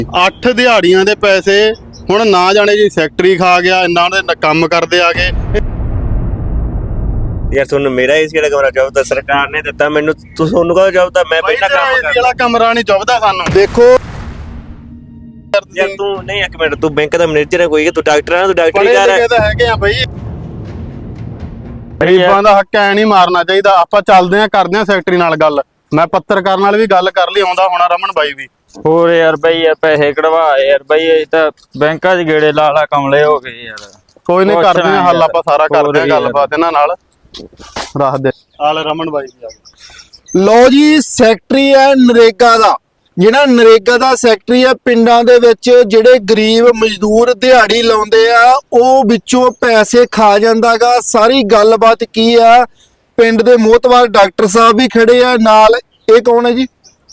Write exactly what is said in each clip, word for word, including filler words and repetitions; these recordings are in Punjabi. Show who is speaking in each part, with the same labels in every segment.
Speaker 1: ਅੱਠ ਦਿਹਾੜੀਆਂ ਦੇ ਪੈਸੇ ਹੁਣ ਨਾ ਜਾਣੇ ਜੀ ਸੈਕਟਰੀ ਖਾ ਗਿਆ, ਇਹਨਾਂ ਦੇ ਕੰਮ ਕਰਦੇ ਆ ਗਏ।
Speaker 2: ਯਾਰ ਤੁਹਾਨੂੰ ਮੇਰਾ ਏਸੀ ਵਾਲਾ ਕਮਰਾ ਚਾਹੀਦਾ, ਸਰਕਾਰ ਨੇ ਦਿੱਤਾ ਮੈਨੂੰ, ਤੁਸੀਂ ਤੁਹਾਨੂੰ ਕਹੋ ਚਾਹੀਦਾ ਮੈਂ ਪਹਿਲਾਂ ਕੰਮ
Speaker 1: ਏਸੀ ਵਾਲਾ ਕਮਰਾ ਨਹੀਂ ਚਾਹੀਦਾ ਸਾਨੂੰ।
Speaker 3: ਦੇਖੋ
Speaker 2: ਯਾਰ ਤੂੰ ਨਹੀਂ, ਇੱਕ ਮਿੰਟ, ਤੂੰ ਬੈਂਕ ਦਾ ਮੈਨੇਜਰ ਹੈ ਕੋਈ, ਤੂੰ ਡਾਕਟਰ ਹੈ, ਤੂੰ ਡਾਕਟਰੀ ਕਰ
Speaker 1: ਹੈ ਤਾਂ ਹੈਗੇ ਆ ਬਈ। ਗਰੀਬਾਂ ਦਾ ਹੱਕ ਐ ਨਹੀਂ ਮਾਰਨਾ ਚਾਹੀਦਾ। ਆਪਾਂ ਚੱਲਦੇ ਆ, ਕਰਦੇ ਆ ਸੈਕਟਰੀ ਨਾਲ ਗੱਲ। ਮੈਂ ਪੱਤਰਕਾਰ ਨਾਲ ਵੀ ਗੱਲ ਕਰ ਲਈ, ਆਉਂਦਾ ਹੋਣਾ ਰਮਨ ਬਾਈ ਵੀ।
Speaker 4: ਹੋਰ ਯਾਰ ਬਈ ਯਾਰ ਪੈਸੇ ਕਢਵਾ ਯਾਰ ਬਈ, ਇਹ ਤਾਂ ਬੈਂਕਾਂ 'ਚ ਗੇੜੇ ਲਾ ਲਾ ਕਮਲੇ ਹੋ ਗਏ ਯਾਰ।
Speaker 1: ਕੋਈ ਨਹੀਂ, ਕਰਦੇ ਆ ਹੱਲ, ਆਪਾਂ ਸਾਰਾ ਕਰਦੇ ਆ ਗੱਲਬਾਤ ਇਹਨਾਂ ਨਾਲ। ਰੱਖ ਦੇ ਆਲ ਰਮਨ ਬਾਈ ਵੀ ਆ ਗਏ।
Speaker 3: ਲੋ ਜੀ, ਸੈਕਟਰੀ ਹੈ ਨਰੇਗਾ ਦਾ, ਜਿਹੜਾ ਨਰੇਗਾ ਦਾ ਸੈਕਟਰੀ ਹੈ, ਪਿੰਡਾਂ ਦੇ ਵਿੱਚ ਜਿਹੜੇ ਗਰੀਬ ਮਜ਼ਦੂਰ ਦਿਹਾੜੀ ਲਾਉਂਦੇ ਆ ਉਹ ਵਿੱਚੋਂ ਪੈਸੇ ਖਾ ਜਾਂਦਾਗਾ। ਸਾਰੀ ਗੱਲਬਾਤ ਕੀ ਆ, ਪਿੰਡ ਦੇ ਮੋਹਤਵਾਰ ਡਾਕਟਰ ਸਾਹਿਬ ਵੀ ਖੜੇ ਆ ਨਾਲ। ਇਹ ਕੌਣ ਹੈ ਜੀ?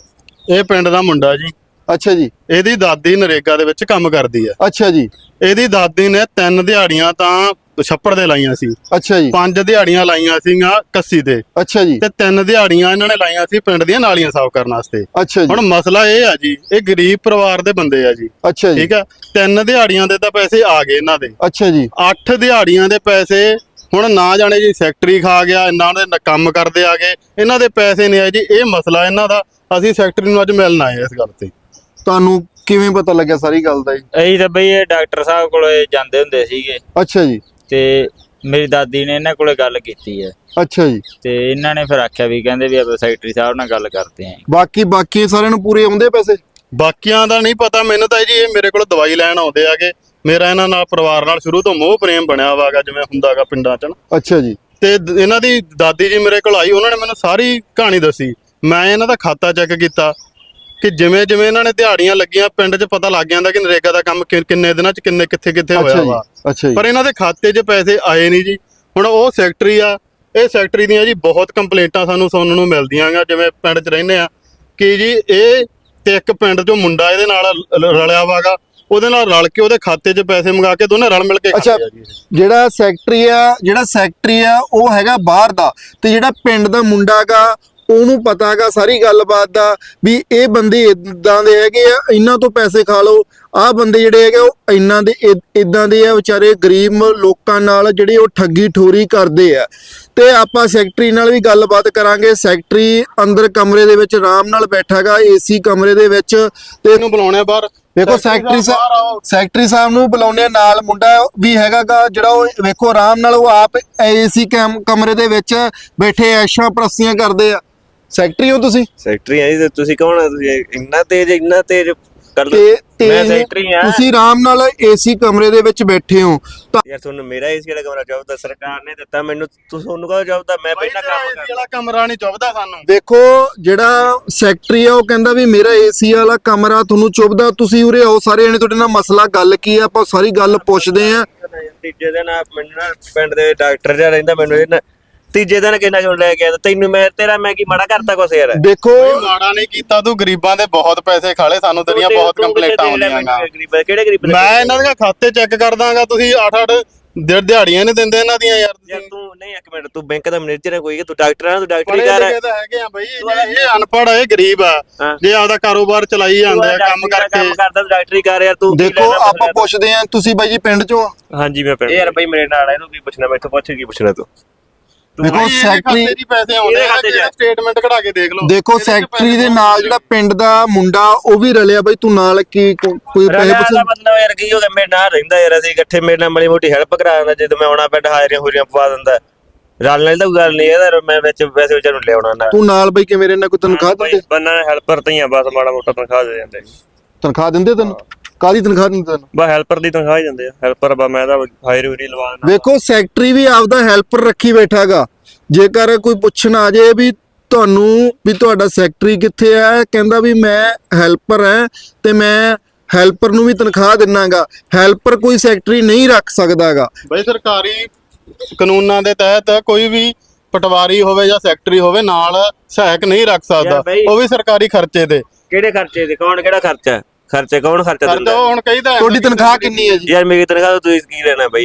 Speaker 1: ਇਹ ਪਿੰਡ ਦਾ ਮੁੰਡਾ ਜੀ।
Speaker 3: ਅੱਛਾ ਜੀ।
Speaker 1: ਇਹਦੀ ਦਾਦੀ ਨਰੇਗਾ ਦੇ ਵਿੱਚ ਕੰਮ ਕਰਦੀ ਆ।
Speaker 3: ਅੱਛਾ ਜੀ।
Speaker 1: ਇਹਦੀ ਦਾਦੀ ਨੇ ਤਿੰਨ ਦਿਹਾੜੀਆਂ ਤਾਂ ਛੱਪੜ ਦੇ ਲਾਈਆਂ ਸੀ।
Speaker 3: ਅੱਛਾ ਜੀ।
Speaker 1: ਪੰਜ ਦਿਹਾੜੀਆਂ ਲਾਈਆਂ ਸੀਗੀਆਂ ਕੱਸੀ ਤੇ।
Speaker 3: ਅੱਛਾ ਜੀ।
Speaker 1: ਤੇ ਤਿੰਨ ਦਿਹਾੜੀਆਂ ਇਹਨਾਂ ਨੇ ਲਾਈਆਂ ਸੀ ਪਿੰਡ ਦੀਆਂ ਨਾਲੀਆਂ ਸਾਫ਼ ਕਰਨ ਵਾਸਤੇ।
Speaker 3: ਅੱਛਾ ਜੀ।
Speaker 1: ਹੁਣ ਮਸਲਾ ਇਹ ਆ ਜੀ, ਇਹ ਗਰੀਬ ਪਰਿਵਾਰ ਦੇ ਬੰਦੇ ਆ ਜੀ।
Speaker 3: ਅੱਛਾ ਜੀ।
Speaker 1: ਠੀਕ ਆ, ਤਿੰਨ ਦਿਹਾੜੀਆਂ ਦੇ ਤਾਂ ਪੈਸੇ ਆ ਗਏ ਇਹਨਾਂ ਦੇ।
Speaker 3: ਅੱਛਾ ਜੀ।
Speaker 1: ਅੱਠ ਦਿਹਾੜੀਆਂ ਦੇ ਪੈਸੇ ਹੁਣ ਨਾ ਜਾਣੇ ਜੀ ਸੈਕਟਰੀ ਖਾ ਗਿਆ, ਇਹਨਾਂ ਦੇ ਕੰਮ ਕਰਦੇ ਆ ਗਏ, ਇਹਨਾਂ ਦੇ ਪੈਸੇ ਨਹੀਂ ਆਏ ਜੀ। ਇਹ ਮਸਲਾ ਇਹਨਾਂ ਦਾ। ਅਸੀਂ ਸੈਕਟਰੀ ਨੂੰ ਅੱਜ ਮਿਲਣ ਆਏ ਇਸ ਗੱਲ ਤੇ।
Speaker 3: ਤੁਹਾਨੂੰ ਕਿਵੇਂ ਪਤਾ ਲੱਗਿਆ ਸਾਰੀ ਗੱਲ ਦਾ ਜੀ?
Speaker 4: ਅਸੀਂ ਤਾਂ ਬਈ ਇਹ ਡਾਕਟਰ ਸਾਹਿਬ ਕੋਲੇ ਜਾਂਦੇ ਹੁੰਦੇ ਸੀਗੇ।
Speaker 3: ਅੱਛਾ ਜੀ।
Speaker 4: ਤੇ ਮੇਰੀ ਦਾਦੀ ਨੇ ਇਹਨਾਂ ਕੋਲੇ ਗੱਲ ਕੀਤੀ ਹੈ।
Speaker 3: ਅੱਛਾ ਜੀ।
Speaker 4: ਤੇ ਇਹਨਾਂ ਨੇ ਫਿਰ ਆਖਿਆ ਵੀ ਕਹਿੰਦੇ ਵੀ ਆਪਾਂ ਸੈਕਟਰੀ ਸਾਹਿਬ ਨਾਲ ਗੱਲ ਕਰਦੇ ਆਂ।
Speaker 3: ਬਾਕੀ ਬਾਕੀ ਸਾਰਿਆਂ ਨੂੰ ਪੂਰੇ ਆਉਂਦੇ ਪੈਸੇ?
Speaker 1: ਬਾਕੀਆਂ ਦਾ ਨਹੀਂ ਪਤਾ ਮੈਨੂੰ ਤਾਂ ਜੀ। ਇਹ ਮੇਰੇ ਕੋਲ ਦਵਾਈ ਲੈਣ ਆਉਂਦੇ ਆਗੇ। ਮੇਰਾ ਇਹਨਾਂ ਨਾਲ ਪਰਿਵਾਰ ਨਾਲ ਸ਼ੁਰੂ ਤੋਂ ਮੋਹ ਪ੍ਰੇਮ ਬਣਿਆ ਵਾਗਾ, ਜਿਵੇਂ ਹੁੰਦਾਗਾ ਪਿੰਡਾਂ 'ਚ ਨਾ।
Speaker 3: ਅੱਛਾ ਜੀ।
Speaker 1: ਤੇ ਇਹਨਾਂ ਦੀ ਦਾਦੀ ਜੀ ਮੇਰੇ ਕੋਲ ਆਈ, ਉਹਨਾਂ ਨੇ ਮੈਨੂੰ ਸਾਰੀ ਕਹਾਣੀ ਦੱਸੀ। ਮੈਂ ਇਹਨਾਂ ਦਾ ਖਾਤਾ ਚੈੱਕ ਕੀਤਾ ਕਿ ਜਿਵੇਂ ਜਿਵੇਂ ਇਹਨਾਂ ਨੇ ਦਿਹਾੜੀਆਂ ਲੱਗੀਆਂ, ਪਿੰਡ 'ਚ ਪਤਾ ਲੱਗ ਜਾਂਦਾ ਕਿ ਨਰੇਗਾ ਦਾ ਕੰਮ ਕਿੰਨੇ ਦਿਨਾਂ 'ਚ ਕਿੰਨੇ ਕਿੱਥੇ ਕਿੱਥੇ ਹੋਇਆ ਵਾ।
Speaker 3: ਅੱਛਾ ਜੀ।
Speaker 1: ਪਰ ਇਹਨਾਂ ਦੇ ਖਾਤੇ 'ਚ ਪੈਸੇ ਆਏ ਨਹੀਂ ਜੀ। ਹੁਣ ਉਹ ਸੈਕਟਰੀ ਆ, ਇਹ ਸੈਕਟਰੀ ਦੀਆਂ ਜੀ ਬਹੁਤ ਕੰਪਲੇਂਟਾਂ ਸਾਨੂੰ ਸੁਣਨ ਨੂੰ ਮਿਲਦੀਆਂ ਗਾ, ਜਿਵੇਂ ਪਿੰਡ 'ਚ ਰਹਿੰਦੇ ਆ ਕਿ ਜੀ ਇਹ ਤੇ ਇੱਕ ਪਿੰਡ 'ਚੋਂ ਮੁੰਡਾ ਇਹਦੇ ਨਾਲ ਰਲਿਆ ਵਾਗਾ, ਉਹਦੇ ਨਾਲ ਰਲ ਕੇ ਉਹਦੇ ਖਾਤੇ 'ਚ ਪੈਸੇ ਮੰਗਾ ਕੇ ਦੋਨੇ ਰਲ ਮਿਲ ਕੇ
Speaker 3: ਅੱਛਾ, ਜਿਹੜਾ ਸੈਕਟਰੀ ਆ ਜਿਹੜਾ ਸੈਕਟਰੀ ਆ ਉਹ ਹੈਗਾ ਬਾਹਰ ਦਾ, ਤੇ ਜਿਹੜਾ ਪਿੰਡ ਦਾ ਮੁੰਡਾ ਗਾ ਉਹਨੂੰ ਪਤਾ ਗਾ ਸਾਰੀ ਗੱਲਬਾਤ ਦਾ ਵੀ ਇਹ ਬੰਦੇ ਇਦਾਂ ਦੇ ਹੈਗੇ ਆ, ਇਹਨਾਂ ਤੋਂ ਪੈਸੇ ਖਾ ਲਓ। ਆਹ ਬੰਦੇ ਜਿਹੜੇ ਹੈਗੇ ਉਹ ਇਹਨਾਂ ਦੇ ਇਦਾਂ ਦੇ ਆ, ਵਿਚਾਰੇ ਗਰੀਬ ਲੋਕਾਂ ਨਾਲ ਜਿਹੜੇ ਉਹ ਠੱਗੀ ਠੋਰੀ ਕਰਦੇ ਆ। ਤੇ ਆਪਾਂ ਸੈਕਟਰੀ ਨਾਲ ਵੀ ਗੱਲਬਾਤ ਕਰਾਂਗੇ। ਸੈਕਟਰੀ ਅੰਦਰ ਕਮਰੇ ਦੇ ਵਿੱਚ ਆਰਾਮ ਨਾਲ ਬੈਠਾ ਗਾ, ਏਸੀ ਕਮਰੇ ਦੇ ਵਿੱਚ। ਤੇ
Speaker 1: ਇਹਨੂੰ ਬੁਲਾਉਣੇ ਬਾਹਰ।
Speaker 3: ਵੇਖੋ ਸੈਕਟਰੀ ਸਾਹਿਬ ਸੈਕਟਰੀ ਸਾਹਿਬ ਨੂੰ ਬੁਲਾਉਂਦੇ, ਨਾਲ ਮੁੰਡਾ ਵੀ ਹੈਗਾ ਗਾ ਜਿਹੜਾ ਉਹ ਵੇਖੋ ਆਰਾਮ ਨਾਲ ਉਹ ਆਪ ਏਸੀ ਕਮਰੇ ਦੇ ਵਿੱਚ ਬੈਠੇ ਐਸ਼ਾਂ ਪ੍ਰਸਤੀਆਂ ਕਰਦੇ ਆ। ਸੈਕਟਰੀ ਹੋ ਤੁਸੀਂ?
Speaker 2: ਸੈਕਟਰੀ ਆ ਜੀ। ਤੁਸੀਂ ਕੌਣ ਆ? ਤੁਸੀਂ ਇੰਨਾ ਤੇਜ਼ ਇੰਨਾ ਤੇਜ਼ ਕਰ
Speaker 3: ਤੇ
Speaker 2: ਮੈਂ ਸੈਕਟਰੀ ਆ।
Speaker 3: ਤੁਸੀਂ ਆਰਾਮ ਨਾਲ ਏਸੀ ਕਮਰੇ ਦੇ ਵਿੱਚ ਬੈਠੇ ਹੋ ਤਾਂ
Speaker 2: ਯਾਰ ਤੁਹਾਨੂੰ ਮੇਰਾ ਏਸੀ ਵਾਲਾ ਕਮਰਾ ਚਾਹੀਦਾ, ਸਰਕਾਰ ਨੇ ਦਿੱਤਾ ਮੈਨੂੰ, ਤੁਸੀਂ ਤੁਹਾਨੂੰ ਕਹੋ ਚਾਹੀਦਾ ਮੈਂ ਪਹਿਲਾਂ ਕੰਮ
Speaker 1: ਏਸੀ ਵਾਲਾ ਕਮਰਾ ਨਹੀਂ ਚਾਹੀਦਾ ਸਾਨੂੰ।
Speaker 3: ਦੇਖੋ ਜਿਹੜਾ ਸੈਕਟਰੀ ਆ ਉਹ ਕਹਿੰਦਾ ਵੀ ਮੇਰਾ ਏਸੀ ਵਾਲਾ ਕਮਰਾ ਤੁਹਾਨੂੰ ਚੁੱਭਦਾ। ਤੁਸੀਂ ਉਰੇ ਆਓ ਸਾਰੇ ਜਣੇ, ਤੁਹਾਡੇ ਨਾਲ ਮਸਲਾ ਗੱਲ ਕੀ ਆ, ਆਪਾਂ ਸਾਰੀ ਗੱਲ ਪੁੱਛਦੇ ਆ।
Speaker 2: ਤੀਜੇ ਦਿਨ ਮੈਨੂੰ ਨਾ ਪਿੰਡ ਦੇ ਡਾਕਟਰ ਜਿਹਾ ਰਹਿੰਦਾ, ਮੈਨੂੰ ਇਹਨਾਂ ਤੀਜੇ ਦਿਨ ਕਿੰਨਾ ਕਿਉਂ ਲੈ ਕੇ ਤੈਨੂੰ ਮੈਂ ਤੇਰਾ ਮੈਂ ਕੀ ਮਾੜਾ ਕਰਤਾ ਕੁਛ ਯਾਰ?
Speaker 3: ਦੇਖੋ
Speaker 1: ਮਾੜਾ ਨਹੀਂ ਕੀਤਾ ਤੂੰ, ਗਰੀਬਾਂ ਦੇ ਬਹੁਤ ਪੈਸੇ ਖਾਲੇ, ਸਾਨੂੰ ਤੇਰੀਆਂ ਬਹੁਤ ਕੰਪਲੇਂਟਾਂ ਆਉਂਦੀਆਂ ਗਾ।
Speaker 2: ਕਿਹੜੇ ਗਰੀਬ?
Speaker 1: ਮੈਂ ਇਹਨਾਂ ਦੇ ਖਾਤੇ ਚੈੱਕ ਕਰ ਦਾਂਗਾ। ਤੁਸੀਂ ਅੱਠ ਅੱਠ ਦਿਹਾੜੀਆਂ ਨਹੀਂ ਦਿੰਦੇ ਇਹਨਾਂ ਦੀਆਂ ਯਾਰ।
Speaker 2: ਯਾਰ ਤੂੰ ਨਹੀਂ, ਇੱਕ ਮਿੰਟ, ਤੂੰ ਬੈਂਕ ਦਾ ਮੈਨੇਜਰ ਹੈ ਕੋਈ, ਤੂੰ ਡਾਕਟਰ ਹੈ, ਤੂੰ ਡਾਕਟਰੀ ਕਰ
Speaker 1: ਹੈਗੇ ਆ ਬਈ। ਇਹ ਅਨਪੜ੍ਹ ਹੈ, ਗਰੀਬ ਆ, ਜੇ ਆਪਦਾ ਕਾਰੋਬਾਰ ਚਲਾਈ ਜਾਂਦੇ ਆ ਕੰਮ ਕਰਕੇ।
Speaker 2: ਕੰਮ ਕਰਦਾ ਤੂੰ ਡਾਕਟਰੀ ਕਰ ਯਾਰ। ਤੂੰ
Speaker 3: ਦੇਖੋ ਆਪਾਂ ਪੁੱਛਦੇ ਆ, ਤੁਸੀਂ ਬਾਈ ਜੀ ਪਿੰਡ ਚੋਂ?
Speaker 2: ਹਾਂਜੀ ਮੈਂ ਪਿੰਡ। ਯਾਰ ਬਈ ਮੇਰੇ ਨਾਲ ਇਹਨੂੰ ਕੀ ਪੁੱਛਣਾ, ਮੈਥੋਂ ਪੁੱਛ ਕੀ ਪੁੱਛਣਾ ਤੂੰ?
Speaker 3: ਦੇਖੋ ਸੈਕਟਰੀ
Speaker 1: ਦੇ ਪੈਸੇ ਆਉਂਦੇ ਆ, ਸਟੇਟਮੈਂਟ ਕਢਾ ਕੇ ਦੇਖ ਲਓ।
Speaker 3: ਦੇਖੋ ਸੈਕਟਰੀ ਦੇ ਨਾਲ ਜਿਹੜਾ ਪਿੰਡ ਦਾ ਮੁੰਡਾ ਉਹ ਵੀ ਰਲਿਆ ਬਾਈ, ਤੂੰ ਨਾਲ ਕੀ ਕੋਈ ਪੈਸੇ ਪੁੱਛ?
Speaker 2: ਮਤਲਬ ਯਾਰ ਕੀ ਹੋ ਗਿਆ, ਮੇਰੇ ਨਾਲ ਰਹਿੰਦਾ ਯਾਰ, ਅਸੀਂ ਇਕੱਠੇ ਮੇਰੇ ਨਾਲ ਮਾੜੀ ਮੋਟੀ ਹੈਲਪ ਕਰਾ ਦਿੰਦਾ, ਜਦੋਂ ਮੈਂ ਆਉਣਾ ਪਿੰਡ ਹਾਜ਼ਰੀਆਂ ਹੂਰੀਆਂ ਪਵਾ ਦਿੰਦਾ। ਰਲ ਨਾਲ ਤਾਂ ਕੋਈ ਗੱਲ ਨਹੀਂ ਇਹਦਾ, ਮੈਂ ਵਿੱਚ ਪੈਸੇ ਵਿਚਾਰ ਨੂੰ ਲਿਆਉਣਾ ਨਾਲ।
Speaker 3: ਤੂੰ ਨਾਲ ਬਾਈ ਕਿਵੇਂ ਰਹਿਣਾ, ਕੋਈ ਤਨਖਾਹ ਦਿੰਦੇ?
Speaker 2: ਬੰਨਾ ਹੈਲਪਰ ਤੇ ਹੀ ਆ, ਬਸ ਮਾੜਾ ਮੋਟਾ ਤਨਖਾਹ ਦੇ ਜਾਂਦੇ।
Speaker 3: ਤਨਖਾਹ ਦਿੰਦੇ ਤੈਨੂੰ? ਕਾਹਦੀ ਤਨਖਾਹ ਦਿੰਦੇ ਤੈਨੂੰ?
Speaker 2: ਬਸ ਹੈਲਪਰ ਦੀ ਤਨਖਾਹ ਹੀ ਦਿੰਦੇ ਆ। ਹੈਲਪਰ ਬਾ ਮੈਂ ਤਾਂ ਹਾਇਰ ਹੂਰੀ ਲਵਾ ਦਿੰਦਾ।
Speaker 3: ਵੇਖੋ ਸੈਕਟਰੀ ਵੀ ਆਪਦਾ ਹੈਲਪਰ ਰੱਖੀ ਬੈਠਾਗਾ। ਜੇਕਰ ਕੋਈ ਪੁੱਛਣ ਆ ਜੇ ਵੀ ਤੁਹਾਨੂੰ ਵੀ ਤੁਹਾਡਾ ਸੈਕਟਰੀ ਕਿੱਥੇ ਹੈ, ਕਹਿੰਦਾ ਵੀ ਮੈਂ ਹੈਲਪਰ ਹੈ ਤੇ ਮੈਂ ਹੈਲਪਰ ਨੂੰ ਵੀ ਤਨਖਾਹ ਦਿੰਨਾਗਾ। ਹੈਲਪਰ ਕੋਈ ਸੈਕਟਰੀ ਨਹੀਂ ਰੱਖ ਸਕਦਾਗਾ
Speaker 1: ਬਈ। ਸਰਕਾਰੀ ਕਾਨੂੰਨਾਂ ਦੇ ਤਹਿਤ ਕੋਈ ਵੀ ਪਟਵਾਰੀ ਹੋਵੇ ਜਾਂ ਸੈਕਟਰੀ ਹੋਵੇ ਨਾਲ ਸਹਾਇਕ ਨਹੀਂ ਰੱਖ ਸਕਦਾ, ਉਹ ਵੀ ਸਰਕਾਰੀ ਖਰਚੇ ਤੇ।
Speaker 2: ਕਿਹੜੇ ਖਰਚੇ ਤੇ? ਕੌਣ ਕਿਹੜਾ ਖਰਚਾ? ਖਰਚੇ ਕੌਣ ਖਰਚਾ ਦਿੰਦਾ?
Speaker 1: ਹੁਣ ਕਹੀਦਾ
Speaker 3: ਤੁਹਾਡੀ ਤਨਖਾਹ ਕਿੰਨੀ ਹੈ ਜੀ?
Speaker 2: ਯਾਰ ਮੇਰੀ ਤਨਖਾਹ ਤੋਂ ਤੁਸੀਂ ਕੀ ਲੈਣਾ ਬਈ ਯਾਰ?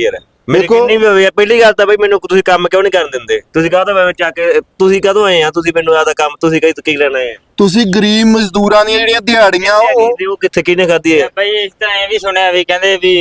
Speaker 2: ਮੇਰੀ
Speaker 3: ਦੇਖੋ-
Speaker 2: ਕਿੰਨੀ ਵੀ ਹੋਈ ਆ ਪਹਿਲੀ ਗੱਲ ਤਾਂ ਬਈ ਮੈਨੂੰ ਤੁਸੀਂ ਕੰਮ ਕਿਉਂ ਨਹੀਂ ਕਰਨ ਦਿੰਦੇ ਤੁਸੀਂ ਕਾਹਤੋਂ ਮੈਂ ਚੱਕ ਕੇ ਤੁਸੀਂ ਕਦੋਂ ਆਏ ਆ ਤੁਸੀਂ ਮੈਨੂੰ ਆਦਾ ਕੰਮ ਤੁਸੀਂ ਕਹੀ ਕੀ ਲੈਣਾ ਹੈ
Speaker 3: ਤੁਸੀਂ ਗਰੀਬ ਮਜ਼ਦੂਰਾਂ ਦੀਆਂ ਜਿਹੜੀਆਂ ਦਿਹਾੜੀਆਂ ਉਹ
Speaker 2: ਉਹ ਕਿੱਥੇ ਕਿਹਨੇ ਖਾਧੀ ਹੈ
Speaker 4: ਬਈ ਇਸ ਤਰ੍ਹਾਂ ਇਹ ਵੀ ਸੁਣਿਆ ਵੀ ਕਹਿੰਦੇ ਵੀ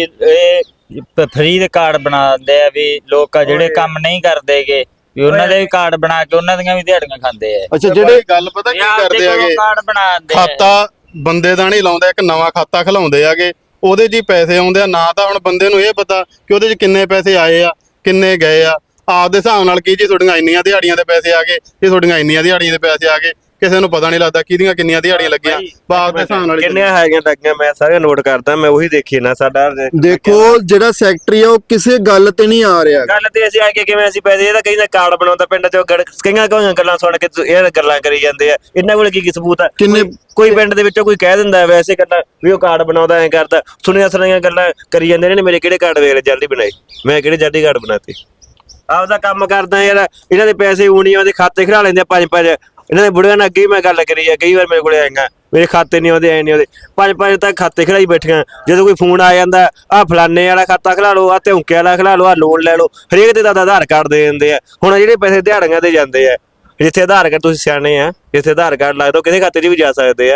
Speaker 4: ਇਹ ਫ੍ਰੀ ਦੇ ਕਾਰਡ ਬਣਾ ਦਿੰਦੇ ਆ ਵੀ ਲੋਕ ਆ ਜਿਹੜੇ ਕੰਮ ਨਹੀਂ ਕਰਦੇਗੇ ਵੀ ਉਹਨਾਂ ਦੇ ਵੀ ਕਾਰਡ ਬਣਾ ਕੇ ਉਹਨਾਂ ਦੀਆਂ ਵੀ ਦਿਹਾੜੀਆਂ ਖਾਂਦੇ ਆ
Speaker 3: ਅੱਛਾ ਜਿਹੜੇ
Speaker 1: ਗੱਲ ਪਤਾ ਕੀ ਕਰਦੇ ਆਗੇ
Speaker 4: ਕਾਰਡ ਬਣਾ ਦਿੰਦੇ ਆ
Speaker 1: ਖਾਤਾ ਬੰਦੇ ਦਾ ਨਹੀਂ ਲਾਉਂਦਾ, ਇੱਕ ਨਵਾਂ ਖਾਤਾ ਖਲਾਉਂਦੇ ਆਗੇ, ਉਹਦੇ 'ਚ ਹੀ ਪੈਸੇ ਆਉਂਦੇ ਆ। ਨਾ ਤਾਂ ਹੁਣ ਬੰਦੇ ਨੂੰ ਇਹ ਪਤਾ ਕਿ ਉਹਦੇ 'ਚ ਕਿੰਨੇ ਪੈਸੇ ਆਏ ਆ ਕਿੰਨੇ ਗਏ ਆ, ਆਪਦੇ ਹਿਸਾਬ ਨਾਲ ਕੀ ਜੀ ਤੁਹਾਡੀਆਂ ਇੰਨੀਆਂ ਦਿਹਾੜੀਆਂ ਦੇ ਪੈਸੇ ਆ ਗਏ, ਇਹ ਤੁਹਾਡੀਆਂ ਇੰਨੀਆਂ ਦਿਹਾੜੀਆਂ ਦੇ ਪੈਸੇ ਆ ਗਏ, ਕਿਸੇ ਨੂੰ ਪਤਾ ਨਹੀਂ ਲੱਗਦਾ ਕਿਹਦੀਆਂ ਕਿੰਨੀਆਂ ਦਿਹਾੜੀਆਂ ਲੱਗੀਆਂ, ਬਾਪ ਦੇ ਹਿਸਾਬ ਨਾਲ ਹੀ
Speaker 2: ਕਿੰਨੀਆਂ ਹੈਗੀਆਂ ਲੱਗੀਆਂ ਮੈਂ ਸਾਰੀਆਂ ਨੋਟ ਕਰਦਾ, ਮੈਂ ਉਹੀ ਦੇਖੀ ਨਾ ਸਾਡਾ
Speaker 3: ਦੇਖੋ ਜਿਹੜਾ ਸੈਕਟਰੀ ਆ ਉਹ ਕਿਸੇ ਗੱਲ ਤੇ ਨਹੀਂ ਆ ਰਿਹਾ।
Speaker 2: ਗੱਲ ਤੇ ਅਸੀਂ ਆ ਕੇ ਕਿਵੇਂ ਅਸੀਂ ਪੈਸੇ ਇਹਦਾ ਕਈ ਨਾ ਕਾਰਡ ਬਣਾਉਂਦਾ ਪਿੰਡ ਚੋਂ ਗੜ- ਕਈਆਂ ਕਈਆਂ ਗੱਲਾਂ ਸੁਣ ਕੇ ਤੁ- ਇਹ ਗੱਲਾਂ ਕਰੀ ਜਾਂਦੇ ਆ, ਇਹਨਾਂ ਕੋਲ ਕੀ ਕੀ ਸਬੂਤ ਆ?
Speaker 3: ਕਿੰਨੇ
Speaker 2: ਕੋਈ ਪਿੰਡ ਦੇ ਵਿੱਚੋਂ ਕੋਈ ਕਹਿ ਦਿੰਦਾ ਵੈਸੇ ਗੱਲਾਂ ਵੀ ਉਹ ਕਾਰਡ ਬਣਾਉਂਦਾ ਐ ਕਰਦਾ, ਸੁਣੀਆਂ ਸੁਣੀਆਂ ਗੱਲਾਂ ਕਰੀ ਜਾਂਦੇ ਨੇ। ਮੇਰੇ ਕਿਹੜੇ ਕਾਰਡ ਵੇਖ ਲੈ ਜਲਦੀ ਬਣਾਏ, ਮੈਂ ਕਿਹੜੇ ਜਲਦੀ ਕਾਰਡ ਬਣਾਤੇ, ਆਪਦਾ ਕੰਮ ਕਰਦਾ ਯਾਰ। ਇਹਨਾਂ ਦੇ ਪੈਸੇ ਊਣੀਆਂ ਦੇ ਖਾਤੇ ਖੜਾ ਲੈਂਦੇ ਆ ਪੰਜ ਪੰਜ, ਇਹਨਾਂ ਦੇ ਬੁੜਿਆਂ ਨਾਲ ਅੱਗੇ ਵੀ ਮੈਂ ਗੱਲ ਕਰੀ ਆ, ਕਈ ਵਾਰ ਮੇਰੇ ਕੋਲੇ ਆਏਗਾ ਮੇਰੇ ਖਾਤੇ ਨਹੀਂ ਆਉਂਦੇ ਐ ਨਹੀਂ ਆਉਂਦੇ, ਪੰਜ ਪੰਜ ਤੱਕ ਖਾਤੇ ਖੜਾਈ ਬੈਠੀਆਂ। ਜਦੋਂ ਕੋਈ ਫੋਨ ਆ ਜਾਂਦਾ ਆਹ ਫਲਾਨੇ ਵਾਲਾ ਖਾਤਾ ਖਿਲਾ ਲਓ, ਆਹ ਧੌਂਕੇ ਵਾਲਾ ਖਿਲਾ ਲਓ, ਆਹ ਲੋਨ ਲੈ ਲਓ, ਹਰੇਕ ਦੇ ਦਾ ਆਧਾਰ ਕਾਰਡ ਦੇ ਦਿੰਦੇ ਆ। ਹੁਣ ਜਿਹੜੇ ਪੈਸੇ ਦਿਹਾੜੀਆਂ ਦੇ ਜਾਂਦੇ ਆ, ਜਿੱਥੇ ਆਧਾਰ ਕਾਰਡ ਤੁਸੀਂ ਸਿਆਣੇ ਆ, ਜਿੱਥੇ ਆਧਾਰ ਕਾਰਡ ਲੱਗਦਾ ਕਿਸੇ ਖਾਤੇ 'ਚ ਵੀ ਜਾ ਸਕਦੇ ਆ।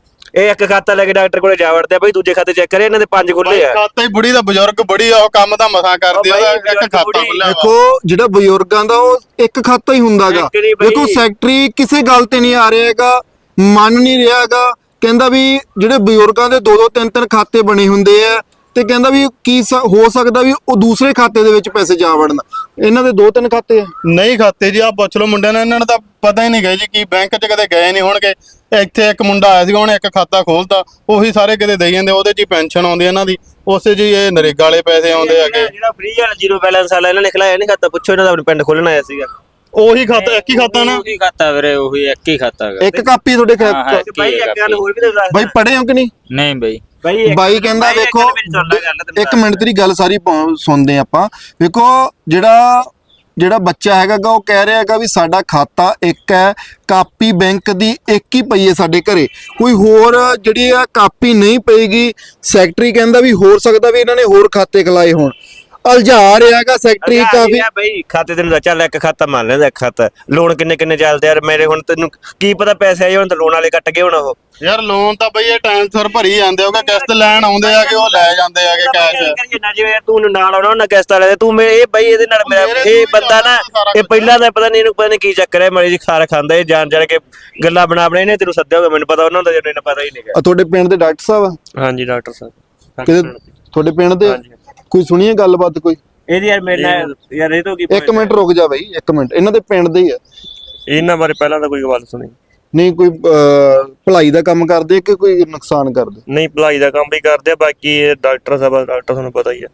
Speaker 2: ਇਹ ਇੱਕ ਖਾਤਾ ਲੈ ਕੇ ਡਾਕਟਰ ਕੋਲੇ ਜਾ ਵੜਦੇ ਆ, ਬਈ ਦੂਜੇ ਖਾਤੇ ਚੈੱਕ ਕਰੇ, ਇਹਨਾਂ ਦੇ ਪੰਜ ਖੁੱਲੇ ਆ।
Speaker 1: ਖਾਤਾ ਹੀ ਬੁੜੀ ਦਾ ਬਜ਼ੁਰਗ ਬੜੀ ਆ, ਉਹ ਕੰਮ ਦਾ ਮਸਾਂ ਕਰਦੀ ਆ, ਉਹਦਾ ਇੱਕ ਖਾਤਾ ਖੁੱਲਿਆ ਵਾ।
Speaker 3: ਦੇਖੋ ਜਿਹੜਾ ਬਜ਼ੁਰਗਾਂ ਦਾ ਉਹ ਇੱਕ ਖਾਤਾ ਹੀ ਹੁੰਦਾਗਾ।
Speaker 2: ਇੱਕ ਨੀ ਬਈ।
Speaker 3: ਦੇਖੋ ਸੈਕਟਰੀ ਕਿਸੇ ਗੱਲ ਤੇ ਨਹੀਂ ਆ ਰਿਹਾਗਾ, ਮੰਨ ਨਹੀਂ ਰਿਹਾਗਾ, ਕਹਿੰਦਾ ਵੀ ਜਿਹੜੇ ਬਜ਼ੁਰਗਾਂ ਦੇ ਦੋ ਦੋ ਤਿੰਨ ਤਿੰਨ ਖਾਤੇ ਬਣੇ ਹੁੰਦੇ ਆ, ਤੇ ਕਹਿੰਦਾ ਵੀ ਕੀ ਸ- ਹੋ ਸਕਦਾ ਵੀ ਉਹ ਦੂਸਰੇ ਖਾਤੇ ਦੇ ਵਿੱਚ ਪੈਸੇ ਜਾ ਵੜਨ। ਇਹਨਾਂ ਦੇ ਦੋ ਤਿੰਨ ਖਾਤੇ ਆ।
Speaker 1: ਨਹੀਂ ਖਾਤੇ ਜੀ, ਆ ਪੁੱਛ ਲਓ ਮੁੰਡਿਆਂ ਨੇ, ਇਹਨਾਂ ਨੂੰ ਤਾਂ ਪਤਾ ਹੀ ਨਹੀਂ ਗਏ ਜੀ ਕੀ ਬੈਂਕ 'ਚ ਕਦੇ ਗਏ ਨਹੀਂ ਹੋਣਗੇ। ਇੱਥੇ ਇੱਕ ਮੁੰਡਾ ਆਇਆ ਸੀਗਾ, ਉਹਨੇ ਇੱਕ ਖਾਤਾ ਖੋਲਤਾ, ਉਹੀ ਸਾਰੇ ਕਿਤੇ ਦੇਈ ਜਾਂਦੇ, ਉਹਦੇ 'ਚ ਹੀ ਪੈਨਸ਼ਨ ਆਉਂਦੀ ਇਹਨਾਂ ਦੀ, ਉਸੇ 'ਚ ਹੀ ਇਹ ਨਰੇਗਾ ਵਾਲੇ ਪੈਸੇ ਆਉਂਦੇ ਹੈਗੇ।
Speaker 2: ਜਿਹੜਾ ਫ੍ਰੀ ਵਾਲਾ ਜ਼ੀਰੋ ਬੈਲੈਂਸ ਵਾਲਾ ਇਹਨਾਂ ਨੇ ਖਿਲਾਇਆ ਨਹੀਂ ਖਾਤਾ, ਪੁੱਛੋ ਇਹਨਾਂ ਦਾ ਆਪਣੇ ਪਿੰਡ ਖੋਲਣ ਆਇਆ ਸੀਗਾ।
Speaker 1: ਉਹੀ ਖਾਤਾ ਇੱਕ ਹੀ ਖਾਤਾ ਨਾ,
Speaker 4: ਉਹੀ ਖਾਤਾ ਵੀਰੇ, ਉਹੀ ਇੱਕ ਹੀ ਖਾਤਾ ਹੈਗਾ।
Speaker 3: ਇੱਕ ਕਾਪੀ ਤੁਹਾਡੇ ਖਾ-
Speaker 4: ਹਾਂ, ਹਾਂ।
Speaker 2: ਬਾਈ ਇੱਕ ਗੱਲ ਹੋਰ ਵੀ ਤਾਂ ਦੱਸ
Speaker 3: ਬਾਈ ਪੜ੍ਹੇ ਹੋ ਕਿ ਨਹੀਂ?
Speaker 4: ਨਹੀਂ ਬਈ
Speaker 2: ਬਾਈ ਇੱਕ-
Speaker 3: ਬਾਈ ਕਹਿੰਦਾ
Speaker 2: ਬਾਈ ਇੱਕ
Speaker 3: ਵੇਖੋ
Speaker 2: ਮੇਰੀ ਸੁਣ ਲੈ ਗੱਲ, ਤੈਨੂੰ
Speaker 3: ਇੱਕ ਮਿੰਟ ਤੇਰੀ ਗੱਲ ਸਾਰੀ ਪ- ਸੁਣਦੇ ਆਪਾਂ। ਵੇਖੋ ਜਿਹੜਾ ਜਿਹੜਾ ਬੱਚਾ ਹੈਗਾ ਗਾ ਉਹ ਕਹਿ ਰਿਹਾ ਹੈਗਾ ਵੀ ਸਾਡਾ ਖਾਤਾ ਇੱਕ ਹੈ, ਕਾਪੀ ਬੈਂਕ ਦੀ ਇੱਕ ਹੀ ਪਈ ਹੈ ਸਾਡੇ ਘਰੇ, ਕੋਈ ਹੋਰ ਜਿਹੜੀ ਆ ਕਾਪੀ ਨਹੀਂ ਪਈਗੀ। ਸੈਕਟਰੀ ਕਹਿੰਦਾ ਵੀ ਹੋ ਸਕਦਾ ਵੀ ਇਹਨਾਂ ਨੇ ਹੋਰ ਖਾਤੇ ਖਲਾਏ ਹੋਣ, ਅਲਝਾ ਰਿਹਾ ਹੈਗਾ ਸੈਕਟਰੀ
Speaker 2: ਅੱਛਾ,
Speaker 3: ਕਾਫੀ।
Speaker 2: ਇਹ ਆ ਬਈ ਖਾਤੇ ਤੈਨੂੰ ਦੱਸ, ਚੱਲ ਇੱਕ ਖਾਤਾ ਮੰਨ ਲੈਂਦਾ, ਇੱਕ ਖਾਤਾ ਲੋਨ ਕਿੰਨੇ ਕਿੰਨੇ ਚੱਲਦੇ ਯਾਰ ਮੇਰੇ, ਹੁਣ ਤੈਨੂੰ ਕੀ ਪਤਾ ਪੈਸੇ ਆਏ ਹੁਣ ਤਾਂ ਲੋਨ ਵਾਲੇ ਕੱਟ ਗਏ ਹੁਣ। ਉਹ
Speaker 1: ਯਾਰ ਲੋਨ ਤਾਂ ਬਈ ਇਹ ਟਾਈਮ ਸਿਰ ਭਰੀ ਜਾਂਦੇ ਹੋਗੇ, ਕਿਸ਼ਤ ਲੈਣ ਆਉਂਦੇ ਆਗੇ, ਉਹ ਲੈ ਜਾਂਦੇ ਆਗੇ ਕੈਸ਼।
Speaker 2: ਨਾ ਜਿਵੇਂ ਤੂੰ ਨਾਲ ਆਉਣਾ ਉਹਨਾਂ ਕਿਸ਼ਤ ਵਾਲੇ ਦੇ, ਤੂੰ ਮੇਰੇ ਇਹ ਬਈ ਇਹਦੇ ਨਾਲ ਮੇਰਾ ਇਹ ਬੰਦਾ ਨਾ, ਇਹ ਪਹਿਲਾਂ ਦਾ ਪਤਾ ਨਹੀਂ ਇਹਨੂੰ ਪਤਾ ਨਹੀਂ ਕੀ ਚੱਕਰ ਹੈ, ਮੜੀ ਜੀ ਖਾਰ ਖਾਂਦਾ ਇਹ ਜਾਣ ਜਾਣ ਕੇ ਗੱਲਾਂ ਬਣਾ ਬਣਾ ਇਹਨੇ ਤੈਨੂੰ ਸੱਦਿਆ ਹੋਗਾ, ਮੈਨੂੰ ਪਤਾ ਉਹਨਾਂ ਦਾ ਜਿਹਨੂੰ ਪਤਾ ਹੀ ਨਹੀਂ।
Speaker 3: ਆ ਤੁਹਾਡੇ ਪਿੰਡ ਦੇ ਡਾਕਟਰ ਸਾਹਿਬ ਆ?
Speaker 2: ਹਾਂਜੀ ਡਾਕਟਰ ਸਾਹਿਬ
Speaker 3: ਕਿਤੇ ਤੁਹਾਡੇ ਪਿੰਡ ਦੇ ਕੋਈ ਸੁਣੀਏ ਗੱਲਬਾਤ ਕੋਈ?
Speaker 2: ਇਹਦੀ ਯਾਰ ਮੇਰੇ ਨਾਲ ਯਾਰ ਇਹ ਤੋਂ ਕੀ
Speaker 3: ਇੱਕ ਮਿੰਟ ਰੁਕ ਜਾ ਬਈ, ਇੱਕ ਮਿੰਟ। ਇਹਨਾਂ ਦੇ ਪਿੰਡ ਦੇ ਹੀ ਆ?
Speaker 2: ਇਹਨਾਂ ਬਾਰੇ ਪਹਿਲਾਂ ਤਾਂ ਕੋਈ ਗੱਲ ਸੁਣੀ
Speaker 3: ਨਹੀਂ ਕੋਈ ਅਹ, ਭਲਾਈ ਦਾ ਕੰਮ ਕਰਦੇ ਕਿ ਕੋਈ ਨੁਕਸਾਨ ਕਰਦੇ?
Speaker 2: ਨਹੀਂ, ਭਲਾਈ ਦਾ ਕੰਮ ਵੀ ਕਰਦੇ ਆ, ਬਾਕੀ ਇਹ ਡਾਕਟਰ ਸਾਹਿਬ ਡਾਕਟਰ ਤੁਹਾਨੂੰ ਪਤਾ ਹੀ ਆ,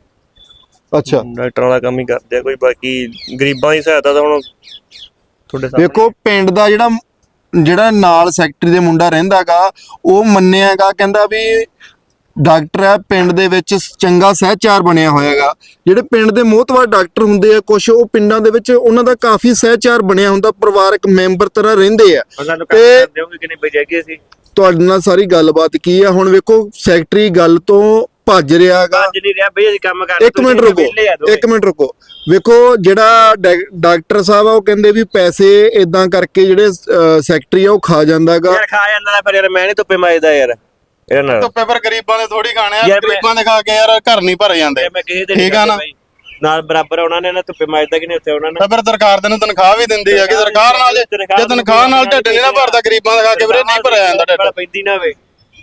Speaker 3: ਅੱਛਾ
Speaker 2: ਡਾਕਟਰਾਂ ਦਾ ਕੰਮ ਹੀ ਕਰਦੇ ਆ ਕੋਈ, ਬਾਕੀ ਗਰੀਬਾਂ ਦੀ ਸਹਾਇਤਾ ਤਾਂ ਹੁਣ ਤੁਹਾਡੇ ਸਾਹਮਣੇ।
Speaker 3: ਵੇਖੋ ਪਿੰਡ ਦਾ ਜਿਹੜਾ ਜਿਹੜਾ ਨਾਲ ਸੈਕਟਰੀ ਦੇ ਮੁੰਡਾ ਰਹਿੰਦਾਗਾ ਉਹ ਮੰਨਿਆਗਾ, ਕਹਿੰਦਾ ਵੀ ਡਾਕਟਰ ਹੈ ਪਿੰਡ ਦੇ ਵਿੱਚ, ਚੰਗਾ ਸਹਿਚਾਰ ਬਣਿਆ ਹੋਇਆਗਾ। ਜਿਹੜੇ ਪਿੰਡ ਦੇ ਮੋਹਤਵਾਰ ਡਾਕਟਰ ਹੁੰਦੇ ਆ ਕੁਝ, ਉਹ ਪਿੰਡਾਂ ਦੇ ਵਿੱਚ ਉਹਨਾਂ ਦਾ ਕਾਫੀ ਸਹਿਚਾਰ ਬਣਿਆ ਹੁੰਦਾ, ਪਰਿਵਾਰਕ ਮੈਂਬਰ ਤਰ੍ਹਾਂ ਰਹਿੰਦੇ ਆ।
Speaker 2: ਸਾਨੂੰ
Speaker 3: ਤੇ-
Speaker 2: ਕੰਮ ਕਰਦੇ ਹੋਗੇ ਕਿ ਨਹੀਂ ਬਜਾਗੇ ਸੀ
Speaker 3: ਤੁਹਾਡੇ ਨਾਲ ਸਾਰੀ ਗੱਲਬਾਤ ਕੀ ਆ ਹੁਣ ਵੇਖੋ ਸੈਕਟਰੀ ਗੱਲ ਤੋਂ ਭੱਜ ਰਿਹਾਗਾ।
Speaker 2: ਅੱਜ ਨਹੀਂ ਰਿਹਾ ਬਈ ਅਸੀਂ ਕੰਮ ਕਰਦੇ।
Speaker 3: ਇੱਕ ਮਿੰਟ ਰੁਕੋ ਇੱਕ ਮਿੰਟ ਰੁਕੋ ਵੇਖੋ ਜਿਹੜਾ ਡਾ- ਡਾਕਟਰ ਸਾਹਿਬ ਆ ਉਹ ਕਹਿੰਦੇ ਵੀ ਪੈਸੇ ਇਦਾਂ ਕਰਕੇ ਜਿਹੜੇ ਅਹ, ਸੈਕਟਰੀ ਆ ਉਹ ਖਾ ਜਾਂਦਾਗਾ।
Speaker 2: ਯਾਰ ਖਾ ਜਾਂਦਾ ਪਰ ਯਾਰ ਮੈਂ ਨਹੀਂ ਧੁੱਪੇ ਮਾਜਦਾ ਯਾਰ ਇਹਨਾਂ ਨਾਲ।
Speaker 1: ਧੁੱਪੇ ਪਰ ਗਰੀਬਾਂ ਦੇ ਥੋੜੀ ਖਾਣੇ ਆ,
Speaker 2: ਯਾਰ ਮੈਂ-
Speaker 1: ਗਰੀਬਾਂ ਦੇ ਖਾ ਕੇ ਯਾਰ ਘਰ ਨਹੀਂ ਭਰੇ ਜਾਂਦੇ।
Speaker 2: ਮੈਂ ਕਿਸੇ ਦੇ
Speaker 1: ਠੀਕ ਆ ਨਾ?
Speaker 2: ਨਾਲ ਬਰਾਬਰ ਉਹਨਾਂ ਨੇ ਨਾ ਧੁੱਪੇ ਮਾਜਦਾ ਕਿ ਨਹੀਂ ਉੱਥੇ ਉਹਨਾਂ ਨੇ।
Speaker 1: ਤਾਂ ਫਿਰ ਸਰਕਾਰ ਤੈਨੂੰ ਤਨਖਾਹ ਵੀ ਦਿੰਦੀ ਹੈਗੀ, ਸਰਕਾਰ ਨਾਲ ਜੇ ਜੇ ਤਨਖਾਹ ਨਾਲ ਢਿੱਡ ਨਹੀਂ ਨਾ ਭਰਦਾ ਗਰੀਬਾਂ ਦਾ ਖਾ ਕੇ ਵੀਰੇ ਨਹੀਂ ਭਰਿਆ ਜਾਂਦਾ ਢਿੱਡ।
Speaker 2: ਪੈਂਦੀ ਨਾ ਵੇ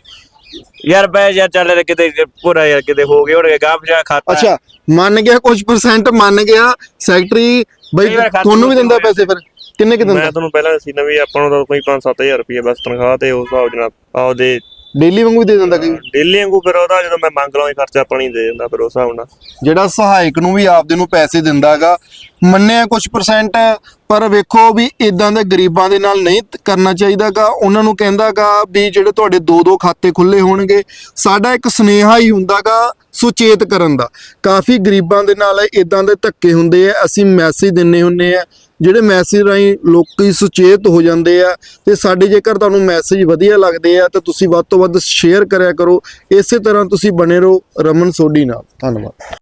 Speaker 2: ਯਾਰ ਬੈ ਯਾਰ ਚੱਲ ਕਿਤੇ ਪੂਰਾ ਯਾਰ ਕਿਤੇ ਹੋ ਗਏ ਹੋਣਗੇ ਗਾਂਹ ਪਿਛਾ ਖਾਤਾ।
Speaker 3: ਅੱਛਾ ਮੰਨ ਗਿਆ ਕੁਝ ਪਰਸੈਂਟ ਮੰਨ ਗਿਆ ਸੈਕਟਰੀ ਬਈ,
Speaker 2: ਕਈ ਵਾਰ ਖਾਤੇ
Speaker 3: ਤੁਹਾਨੂੰ ਵੀ ਦਿੰਦਾ
Speaker 2: ਵਿੱਚ
Speaker 3: ਪੈਸੇ ਫਿਰ ਕਿੰਨੇ ਕਿ ਦਿੰਦਾ?
Speaker 5: ਮੈਂ ਤੁਹਾਨੂੰ ਪਹਿਲਾਂ ਦੱਸੀ ਨਾ ਵੀ ਆਪਾਂ ਨੂੰ ਤਾਂ ਕੋਈ ਪੰਜ ਸੱਤ ਹਜ਼ਾਰ ਰੁਪਏ ਬਸ ਤਨਖਾਹ ਤੇ ਉਸ ਹਿਸਾਬ ਜਨਾਬ ਆਪਦੇ
Speaker 3: ਡੇਲੀ ਵਾਂਗੂ ਵੀ ਦੇ ਦਿੰਦਾ ਕਈ?
Speaker 5: ਡੇਲੀ ਵਾਂਗੂ ਫਿਰ ਉਹਦਾ ਜਦੋਂ ਮੈਂ ਮੰਗ ਲਵਾਂ ਖਰਚਾ ਪਾਣੀ ਦੇ ਦਿੰਦਾ ਫਿਰ ਉਸ ਹਿਸਾਬ ਨਾਲ।
Speaker 3: ਜਿਹੜਾ ਸਹਾਇਕ ਨੂੰ ਵੀ ਆਪਦੇ ਨੂੰ ਪੈਸੇ ਦਿੰਦਾਗਾ, ਮੰਨਿਆ ਕੁਝ ਪਰਸੈਂਟ, ਪਰ ਵੇਖੋ ਵੀ ਇਦਾਂ ਦੇ ਗਰੀਬਾਂ ਦੇ ਨਾਲ ਨਹੀਂ ਤ- ਕਰਨਾ ਚਾਹੀਦਾਗਾ। ਉਹਨਾਂ ਨੂੰ ਕਹਿੰਦਾਗਾ ਵੀ ਜਿਹੜੇ ਤੁਹਾਡੇ ਦੋ ਦੋ ਖਾਤੇ ਖੁੱਲੇ ਹੋਣਗੇ, ਸਾਡਾ ਇੱਕ ਸੁਨੇਹਾ ਹੀ ਹੁੰਦਾਗਾ ਸੁਚੇਤ ਕਰਨ ਦਾ। ਕਾਫੀ ਗਰੀਬਾਂ ਦੇ ਨਾਲ ਇਦਾਂ ਦੇ ਧੱਕੇ ਹੁੰਦੇ ਆ, ਅਸੀਂ ਮੈਸੇਜ ਦਿੰਨੇ ਹੁੰਨੇ ਆ, ਜਿਹੜੇ ਮੈਸੇਜ ਰਾਹੀਂ ਲੋਕੀ ਸੁਚੇਤ ਹੋ ਜਾਂਦੇ ਆ। ਤੇ ਸਾਡੇ ਜੇਕਰ ਤੁਹਾਨੂੰ ਮੈਸੇਜ ਵਧੀਆ ਲੱਗਦੇ ਆ ਤਾਂ ਤੁਸੀਂ ਵੱਧ ਤੋਂ ਵੱਧ ਸ਼ੇਅਰ ਕਰਿਆ ਕਰੋ। ਇਸੇ ਤਰ੍ਹਾਂ ਤੁਸੀਂ ਬਣੇ ਰਹੋ ਰਮਨ ਸੋਢੀ ਨਾਲ। ਧੰਨਵਾਦ।